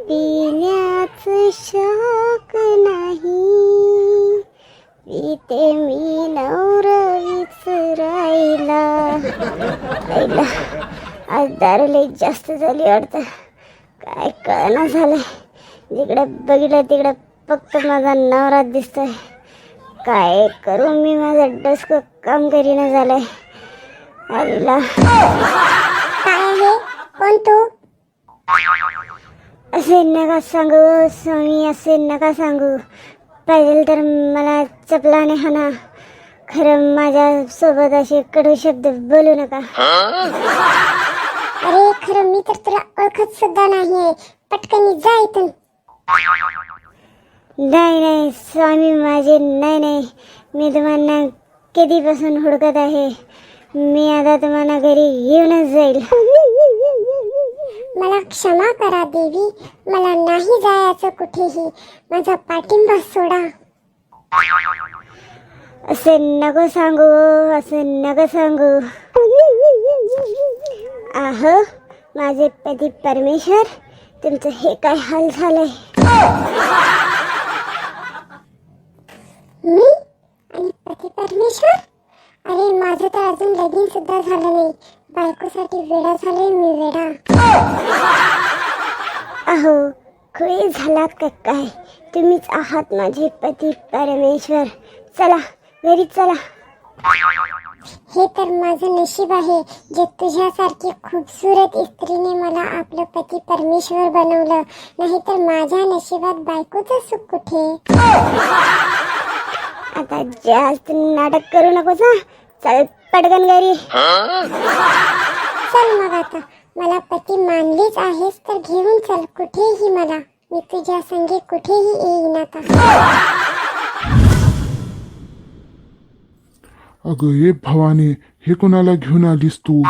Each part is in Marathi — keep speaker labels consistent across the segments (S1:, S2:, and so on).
S1: पिण्याचं शौक नाही, पिते मी नवरा विसरायला. आईला आज दारू लई जास्त झाली वाटतं, काय कळना झालंय. जिकडे बघितलं तिकडे फक्त माझा नवरा दिसतोय. काय करू मी, माझं डोसकं काम करीना झालंय. आईला
S2: काय आहे? कोण तू?
S1: असे नका सांगू स्वामी, असे नका सांगू. पाहिजे तर मला चपलाने हाना, खरं माझ्या सोबत असे कडू शब्द बोलू नका.
S2: अरे खरं मी तर तुला ओळखत सुद्धा नाहीये, पटकन जा इथून.
S1: नाही नाही स्वामी माझे, नाही नाही, मी तुम्हाला कधीपासून हुडकत आहे. मी आता तुम्हाला घरी घेऊनच जाईल.
S2: मला क्षमा करा देवी, मला नाही जायचं कुठेही, माझा पाठिंबा सोडा.
S1: असे नको सांगू, असे नको सांगू. आहो माझे पती परमेश्वर, तुमचं हे काय हाल झालंय.
S2: मी आणि पती परमेश्वर? अरे माझं तर अजून लगीन सुद्धा झालं नाही, बायकोसाठी वेडा झालोय मी, वेडा.
S1: अहो खुळे झालात का काय? तुम्हीच आहात माझे पती परमेश्वर. चला घरी चला.
S2: हे तर माझं नशीब आहे, जे तुझ्यासारखी खूपसूरत स्त्रीने मला आपलं पती परमेश्वर बनवलं. नाहीतर माझ्या नशिबात बायकोचं सुख कुठे.
S1: आता जास्त नाटक करू नकोस हा. चल पटकन घरी.
S2: चल मग आता, मला पती मानलीच आहेस तर घेऊन चल कुठेही मला, मी तुझ्या संगे कुठेही येईन आता.
S3: अगं ये भवानी, हे कोणाला घेऊन आलीस तू?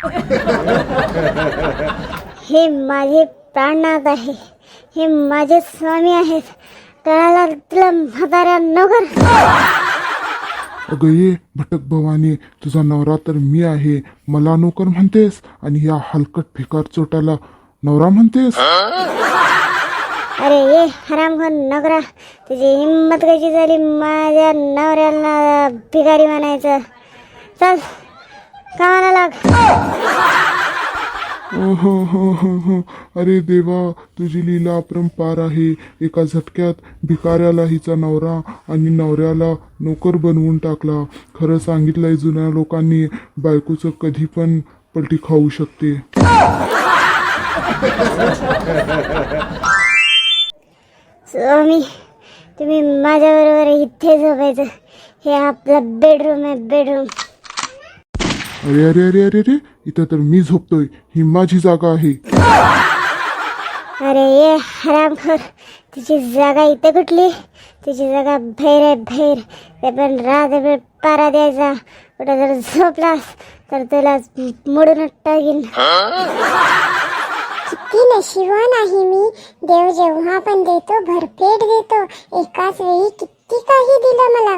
S1: हे माझे प्राणनाथ आहे, हे माझे स्वामी आहेत. कळाला तुला म्हाताऱ्या नोकर?
S3: अगं ये भटक भवानी, तुझा नवरा तर मी आहे, मला नोकर म्हणतेस आणि या हलकट भिकार चोटाला नवरा म्हणतेस?
S1: अरे ये हरामखोर नोकरा, तुझी हिंमत कशी झाली माझ्या नवऱ्याला भिकारी म्हणायचं? चल कामाला लाग.
S3: अरे देवा, तुझी लीला अपरंपार आहे. एका झटक्यात भिकाऱ्याला हिचा नवरा आणि नवऱ्याला नोकर बनवून टाकला. खरं सांगितलंय जुन्या लोकांनी, बायकोचं कधी पण पलटी खाऊ शकते.
S1: स्वामी तुम्ही माझ्याबरोबर इथे झोपायचं. हे आपलं बेडरूम आहे, बेडरूम.
S3: अरे अरे अरे अरे अरे, इथं तर मी झोपतोय, ही माझी जागा आहे.
S1: अरे ये हरामखोर, तुझी जागा इथे कुठली? तुझी जागा बाहेर आहे, बाहेर. ते पण रात्रभर पारा द्यायचा. कुठं जर झोपलास तर तुला मोडून टाकीन.
S2: किती नशिबान आहे मी, देव जेव्हा पण देतो भरपेट देतो, एकाच वेळी किती काही दिलं मला.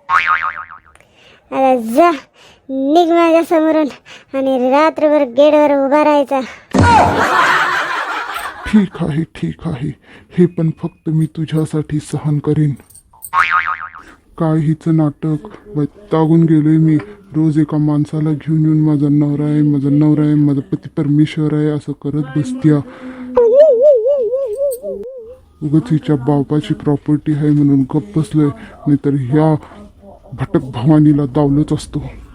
S1: आता जा निघ माझ्या समोरून आणि रात्रभर गेटवर उभा राहायचा.
S3: ठीक आहे ठीक आहे, हे पण फक्त मी तुझ्यासाठी सहन करीन. काय हिचं नाटक, वैतागून गेलोय मी. रोज एका माणसाला घेऊन येऊन माझा नवरा आहे, माझा नवरा आहे, माझा पती परमेश्वर आहे असं करत बसत्या. उगाच हिच्या बापाची प्रॉपर्टी आहे म्हणून गप्प बसलोय, नाहीतर ह्या भटक भवानीला दावलंच असतो.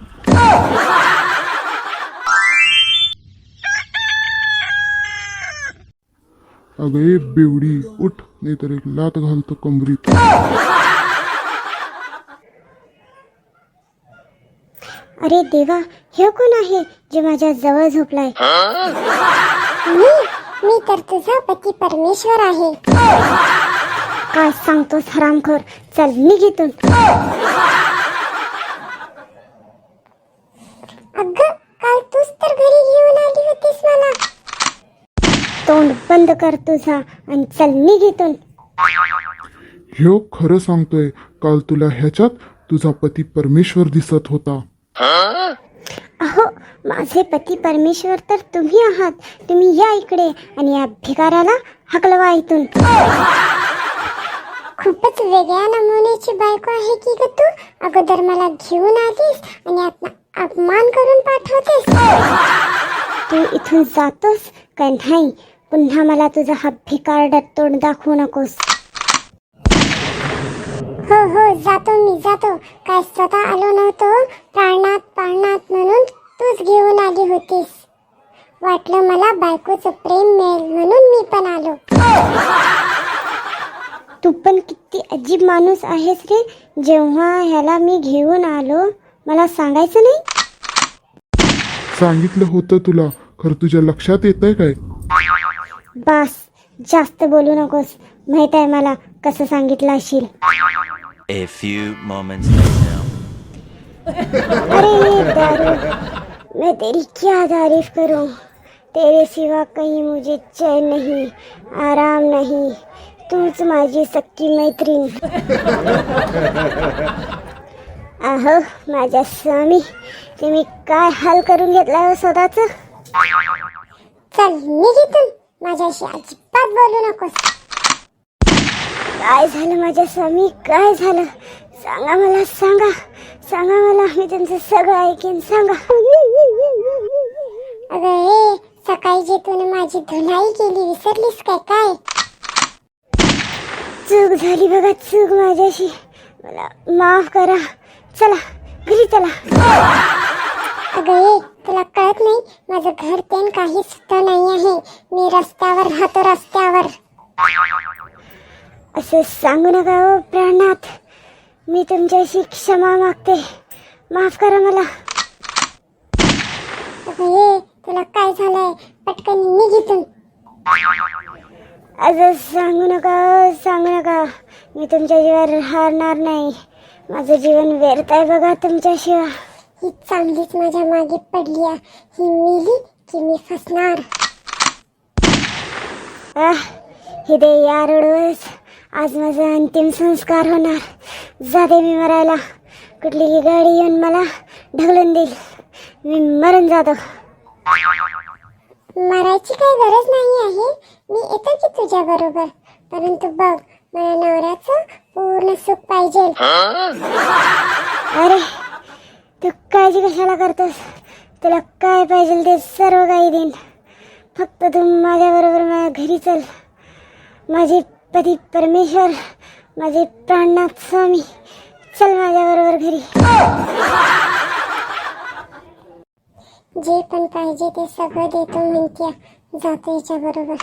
S3: अगं ये बेवडी, उठ, नाहीतर एक लात घालतो कमरीत.
S1: अरे देवा, हे कोण आहे जे माझ्या जवळ झोपलाय?
S2: मी तर तुझा पती परमेश्वर आहे.
S1: काय सांगतोस हरामखोर? चल निघ इथून.
S2: अगं काल तूच तर घरी घेऊन आली होतीस मला.
S1: तोंड बंद कर तुझा आणि चल निघ इथून.
S3: ह्यो खरं सांगतोय, काल तुला ह्याच्यात तुझा पती परमेश्वर दिसत होता.
S1: अहो माझे पती परमेश्वर तर तुम्ही आहात. तुम्ही या इकडे आणि या भिकाऱ्याला हकलवा इथून.
S2: खूपच वेगळ्या नमुन्याची बायको आहे की ग तू. अगोदर मला घेऊन आलीस आणि आता अपमान करून पाठवतेस.
S1: तू इथून जातोस का नाही? पुन्हा मला तुझा हा भिकारडा तोंड दाखवू नकोस.
S2: हो हो जातो मी जातो. काय स्वतः आलो नव्हतो प्राणात प्राणात म्हणून तूच घेऊन आली होतीस. वाटलं मला बायकोचं प्रेम मिळेल म्हणून मी पण आलो.
S1: तू पण किती अजीब माणूस आहेस रे. जेव्हा ह्याला मी घेऊन आलो मला सांगायचं नाही.
S3: सांगितलं होतं तुला, खरं तुझ्या लक्षात येतंय काय?
S1: बास, जास्त बोलू नकोस. माहित आहे मला कसं सांगितलं असेल.
S4: A few moments later.
S1: अरे ये दारू, मैं तेरी क्या तारीफ करूं. तेरे सिवा कहीं मुझे चैन नहीं, आराम नहीं. तूच माझी सक्की मैत्रीण. अहो माझ्या स्वामी, तुम्ही काय हाल करून घेतला हो स्वतःच.
S2: चल निघ इथून. माझ्याशी अजिबात बोलू नकोस.
S1: काय झालं माझ्या स्वामी, काय झालं? सांगा मला, सांगा सांगा मला. मी तुमचं सगळं ऐकेन, सांगा.
S2: अगं ए, सकाळी जे तूने माझी धुलाई केली विसरलीस काय काय?
S1: चूक झाली बघा, चूक माझ्याशी. मला माफ करा. चला घरी चला.
S2: अगं ए, तुला कळत नाही माझं घर तेन काही सुद्धा नाही आहे. मी रस्त्यावर राहतो, रस्त्यावर.
S1: असं सांगू नका हो प्राणात. मी तुमच्याशी क्षमा मागते. माफ करा मला.
S2: अगं ए, तुला काय झालंय? पटकन निघ इथून.
S1: असं सांगू नका हो, सांगू नका. मी तुमच्या जीवावर हारणार नाही. माझं जीवन व्यर्थ आहे बघा तुमच्याशिवाय.
S2: ही चांगलीच माझ्या मागे पडली आहे. ही मिली की मी फसणार.
S1: हे दे या रोडवरच आज माझा अंतिम संस्कार होणार. जाते मी मरायला. कुठली गाडी येऊन मला ढकलून देईल. मी मरून जातो.
S2: मरायची काही गरज नाही आहे. मी येतो की तुझ्या बरोबर. परंतु बघ, मला नवऱ्याचं पूर्ण सुख पाहिजे.
S1: अरे तू काळजी कशाला करतोस? तुला काय पाहिजे ते सर्व काही देईन. फक्त तू माझ्या बरोबर माझ्या घरी चल. माझे पती परमेश्वर, माझे प्राणनाथ स्वामी, चल माझ्या बरोबर घरी.
S2: जे पण पाहिजे ते सगळं देतो म्हणत्या. जातो याच्या बरोबर.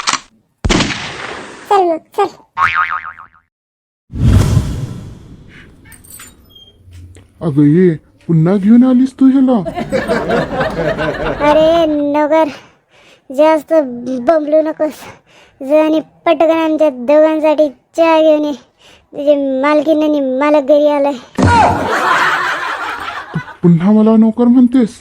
S2: चल मग चल.
S3: अगं ये, पुन्हा घेऊन आलीस तू ह्याला?
S1: अरे नगर, जास्त बंबलू नकोस. आणि पटकन आमच्या दोघांसाठी चहा घेऊन ये. तुझे मालकीन आणि मालक घरी आलाय.
S3: पुन्हा मला नोकर म्हणतेस?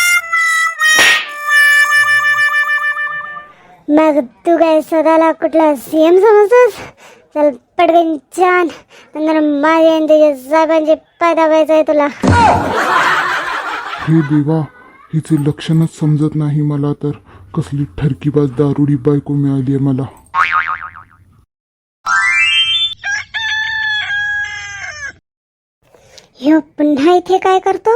S1: मग तू काय स्वतःला कुठला सीएम समजतोस? चल पटकन छान. नंतर माझे आणि तुझ्या साहेबांचे पाय दाबायचं आहे तुला.
S3: हे देवा, हिचे लक्षणच समजत नाही मला तर. कसली ठरकीबाज दारुडी बायको मिळाली आहे मला.
S1: ह्यो पुन्हा इथे काय करतो?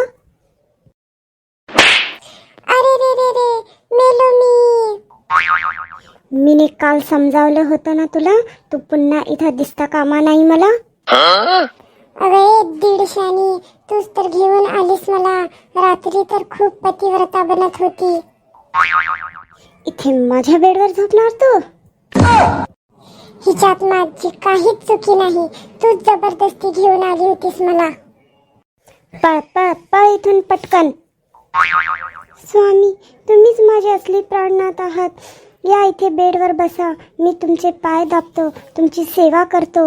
S2: अरे रे रे रे, मेलो मी.
S1: मीने काल समजावलं होतं ना तुला. तू पुन्हा इथं दिसता कामा नाही मला.
S2: अरे दीडशानी, तूच तर घेऊन आलीस मला. रात्री तर खूप पतिव्रता बनत होती.
S1: इथे माझ्या बेडवर झोपणार तू?
S2: हिच्यात माझी काहीच चुकी नाही. तूच जबरदस्ती घेऊन आली होतीस मला.
S1: पळ पळ पळ इथून पटकन. स्वामी, तुम्हीच माझे असली प्राणनाथ आहात. या इथे बेडवर बसा. मी तुमचे पाय दाबतो, तुमची सेवा करतो.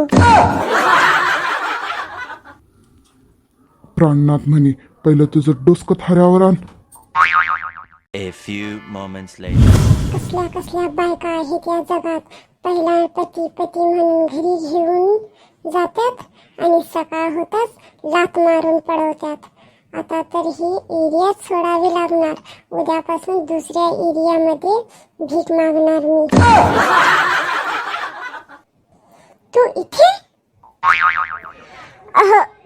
S3: प्राणनाथ म्हणे, पहिलं तुझं डोसकं थाऱ्यावर आण.
S4: A few moments later.
S2: कसल्या कसल्या बायका आहेत या जगात. पहिला पती म्हणून घरी घेऊन जातात आणि सकाळ होताच लात मारून पडवतात. आता तर ही एरियात सोडावी लागणार. उद्यापासून दुसऱ्या एरियामध्ये भीक मागणार मी.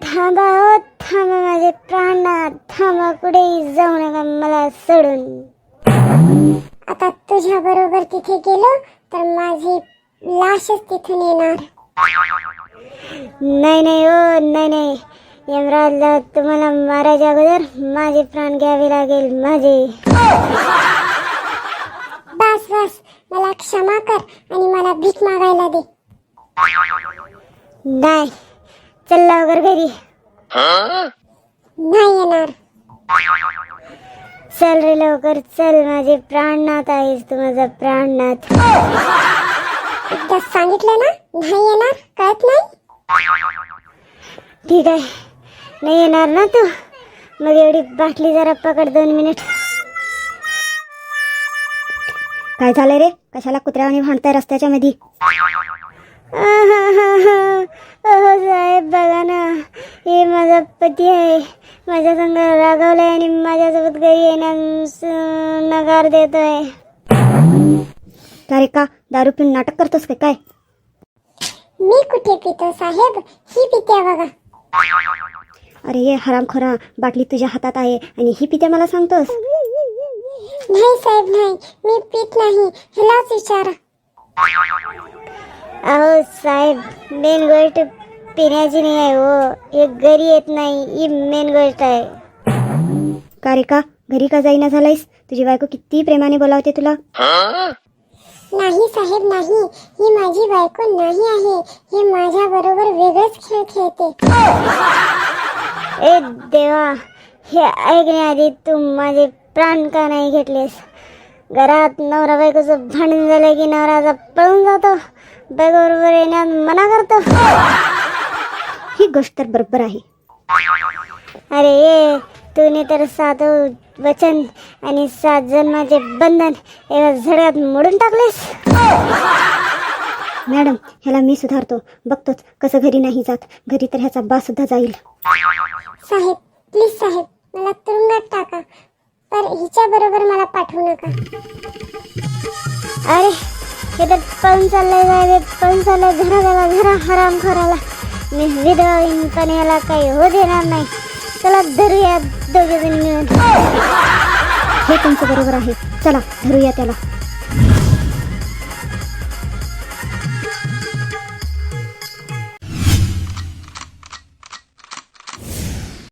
S1: थांबा हो थांबा माझे प्राणनाथ, थांबा, कुठेही जाऊ नका मला सोडून.
S2: आता तुझ्या बरोबर तिथे गेलो तर माझी लाशच तिथून येणार.
S1: नाही नाही हो, नाही नाही, यमराजला तुम्हाला मारायच्या अगोदर माझे प्राण घ्यावे लागेल, माझे.
S2: बस बस, मला क्षमा कर आणि मला भीक मागायला दे.
S1: नाही, चल लवकर घरी.
S2: नाही येणार.
S1: चल रे लवकर चल, माझे प्राणनाथ आहेस तू, माझा प्राणनाथ.
S2: एकदा सांगितलं ना, नाही येणार, कळत नाही.
S1: ठीक आहे, नाही येणार ना तू, मग एवढी बाटली जरा पकड, 2 मिनिट. काय झालंय रे, कशाला कुत्र्यावानी भांडताय रस्त्याच्या मध्ये? अहो साहेब बघा ना, हे माझा पती आहे, माझ्या संग रागावलाय आणि माझ्यासोबत घरी येण्यास नकार देतोय. का रे, का दारू पिऊन नाटक करतोस का काय?
S2: मी कुठे पितो साहेब, ही पिते बघा.
S1: अरे ये हरामखोरा, बाटली तुझ्या हातात आहे आणि ही पिते मला सांगतोस?
S2: नाही साहेब नाही, मी पित नाही, हिलाच विचारा.
S1: अहो साहेब, मेन गोष्ट पिण्याची नाही आहे हो, हे घरी येत नाही, ही मेन गोष्ट आहे. का रे, का घरी का जाईना झालायस? तुझी बायको किती प्रेमाने बोलावते तुला.
S2: नाही साहेब नाही, ही माझी बायको नाही आहे, हे माझ्या बरोबर वेगळेच खेळ खेळते.
S1: ए देवा, हे ऐकण्याआधी तू माझे प्राण का नाही घेतलेस? घरात नवरा बायकोचं भांडण झालं की नवराचा पळून जातो, बायकोबरोबर येण्यात मना करतो. ही गोष्ट तर बरोबर आहे. अरे ये, तूने तर 7 वचन आणि 7 जन्माचे बंधन एका झडक्यात मोडून टाकलेस. मॅडम, ह्याला मी सुधारतो, बघतोच कसं घरी नाही जात. घरी तर ह्याचा बा सुद्धा जाईल.
S2: साहेब प्लीज साहेब, मला तुरुंगात टाका, पर हिच्या बरोबर मला पाठवू नका.
S1: अरे हे तर पळून चाललंय साहेब, पळून चाललंय. घरा हराम खोराला मी विधवा होईन, पण याला काही हो देणार नाही. चला धरूया दोघे जण मिळून. हे तुमचं बरोबर आहे, चला धरूया त्याला.